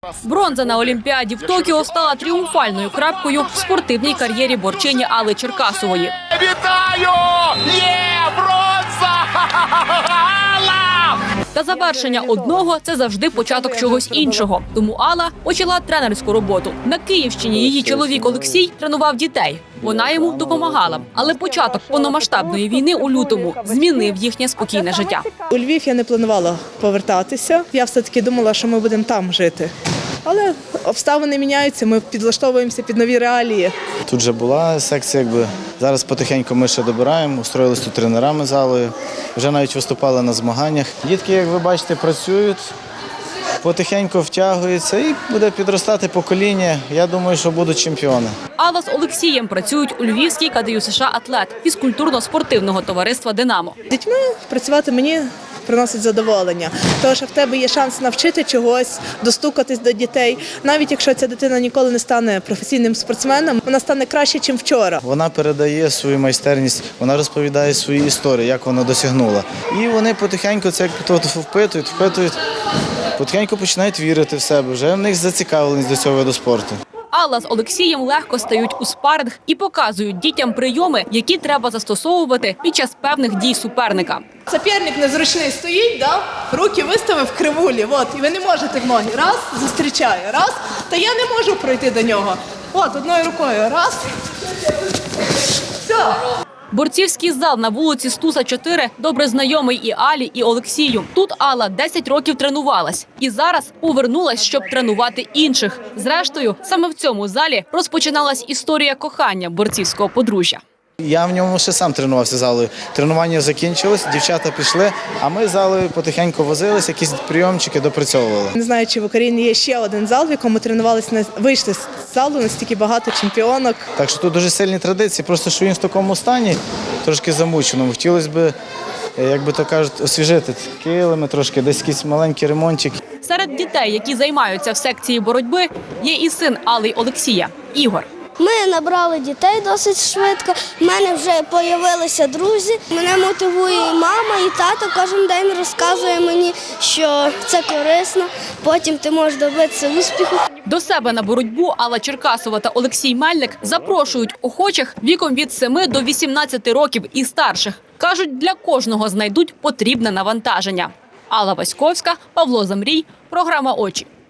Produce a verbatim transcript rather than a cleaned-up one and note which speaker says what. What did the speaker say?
Speaker 1: Бронза на Олімпіаді в Токіо стала тріумфальною крапкою в спортивній кар'єрі борчині Алли Черкасової.
Speaker 2: Вітаю! Є! Бронза! Алла!
Speaker 1: Та завершення одного – це завжди початок чогось іншого. Тому Алла почала тренерську роботу. На Київщині її чоловік Олексій тренував дітей. Вона йому допомагала. Але початок повномасштабної війни у лютому змінив їхнє спокійне життя.
Speaker 3: У Львів я не планувала повертатися. Я все-таки думала, що ми будемо там жити. Але обставини міняються, ми підлаштовуємося під нові реалії.
Speaker 4: Тут вже була секція, якби зараз потихеньку ми ще добираємо, устроїлись тут тренерами залою, вже навіть виступали на змаганнях. Дітки, як ви бачите, працюють, потихеньку втягуються і буде підростати покоління. Я думаю, що будуть чемпіони.
Speaker 1: Алла з Олексієм працюють у Львівській КДЮСШ «Атлет» фізкультурно-спортивного товариства «Динамо».
Speaker 3: З дітьми працювати мені приносить задоволення. Тому що в тебе є шанс навчити чогось, достукатись до дітей. Навіть якщо ця дитина ніколи не стане професійним спортсменом, вона стане краще, ніж вчора.
Speaker 4: Вона передає свою майстерність, вона розповідає свої історії, як вона досягнула. І вони потихеньку це як впитують, впитують, потихеньку починають вірити в себе. Вже в них зацікавленість до цього виду спорту.
Speaker 1: Алла з Олексієм легко стають у спаринг і показують дітям прийоми, які треба застосовувати під час певних дій суперника.
Speaker 3: Соперник незручний стоїть, да? Руки виставив в кривулі, от, і ви не можете в ноги. Раз, зустрічає, раз, та я не можу пройти до нього. От, одною рукою, раз, все.
Speaker 1: Борцівський зал на вулиці Стуса, чотири добре знайомий і Алі, і Олексію. Тут Алла десять років тренувалась. І зараз повернулась, щоб тренувати інших. Зрештою, саме в цьому залі розпочиналась історія кохання борцівського подружжя.
Speaker 4: Я в ньому ще сам тренувався залою. Тренування закінчилось, дівчата пішли, а ми залою потихеньку возились, якісь прийомчики допрацьовували.
Speaker 3: Не знаю, чи в Україні є ще один зал, в якому тренувалися, вийшли з залу настільки багато чемпіонок.
Speaker 4: Так що тут дуже сильні традиції, просто що він в такому стані, трошки замученому. Хотілося б, як би то кажуть, освіжити килими трошки, десь якийсь маленький ремонтик.
Speaker 1: Серед дітей, які займаються в секції боротьби, є і син Алли й Олексія – Ігор.
Speaker 5: Ми набрали дітей досить швидко, в мене вже з'явилися друзі. Мене мотивує і мама, і тато кожен день розказує мені, що це корисно, потім ти можеш добитися успіху.
Speaker 1: До себе на боротьбу Алла Черкасова та Олексій Мельник запрошують охочих віком від семи до вісімнадцяти років і старших. Кажуть, для кожного знайдуть потрібне навантаження. Алла Васьковська, Павло Замрій, програма «Очі».